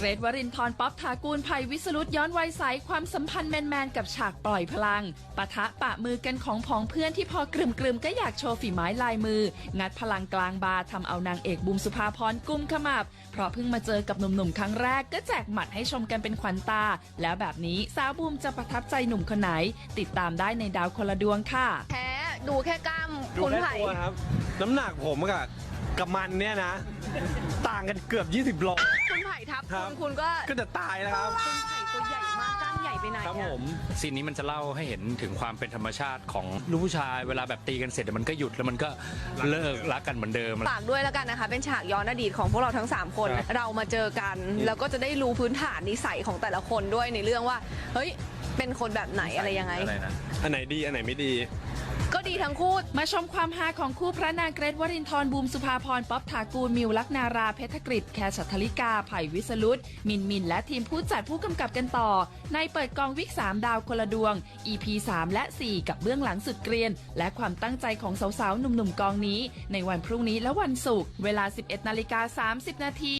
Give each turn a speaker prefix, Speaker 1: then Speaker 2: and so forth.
Speaker 1: เกรท วรินทร์ ป๊อป ถากูล ไผ่ วิสรุตย้อนวัยใสความสัมพันธ์แมนๆกับฉากปล่อยพลังปะทะปะมือกันของผองเพื่อนที่พอกรึมๆก็อยากโชว์ฝีไม้ลายมืองัดพลังกลางบาร์ทำเอานางเอกบูมสุภาพรกุมขมับเพราะเพิ่งมาเจอกับหนุ่มๆครั้งแรกก็แจกหมัดให้ชมกันเป็นขวัญตาแล้วแบบนี้สาวบูมจะประทับใจหนุ่มคนไหนติดตามได้ในดาวคนละดวงค่ะ
Speaker 2: แพ้ดูแค่กล้าม
Speaker 3: ดู
Speaker 2: คุณ
Speaker 3: แค่
Speaker 2: ไผ่
Speaker 3: ตัวครับน้ำหนักผมกับมันเนี่ยนะ ต่างกันเกือบ 20 โล
Speaker 2: คุณไผ่ทับ
Speaker 3: ครับ
Speaker 2: คุณก็
Speaker 3: ก็จะตายแล้วครับ
Speaker 2: คุณไผ่ตัวใหญ่มากกล้ามใหญ่ไปไหน
Speaker 3: ครับ
Speaker 2: อะ
Speaker 3: ผม
Speaker 4: ซีนนี้มันจะเล่าให้เห็นถึงความเป็นธรรมชาติของลูกผู้ชายเวลาแบบตีกันเสร็จมันก็หยุดแล้วมันก็เลิกรักกันเหมือนเดิม
Speaker 2: ฝากด้วยแล้วกันนะคะ เป็นฉากย้อนอดีตของพวกเราทั้ง 3 คน
Speaker 3: ครับ
Speaker 2: เรามาเจอกัน แล้วก็จะได้รู้พื้นฐานนิสัยของแต่ละคนด้วยในเรื่องว่า เฮ้ย เป็นคนแบบไหนอะไรยังไง
Speaker 3: อันไหนดีอันไหนไม่ดี
Speaker 2: ก็ดีทั้งคู่
Speaker 1: มาชมความฮาของคู่พระนางเกรท วรินทร์ บูมสุภาพร ป๊อป ถากูล มิว ลักนารา เพชรกฤษ แคร์ ฉัตรธริกา ไผ่ วิสรุตมินและทีมผู้จัดผู้กำกับกันต่อในเปิดกองวิก3ดาวคนละดวง EP 3 และ 4 กับเบื้องหลังสุดเกรียนและความตั้งใจของสาวๆหนุ่มๆกองนี้ในวันพรุ่งนี้และวันศุกร์เวลา 11:30 น.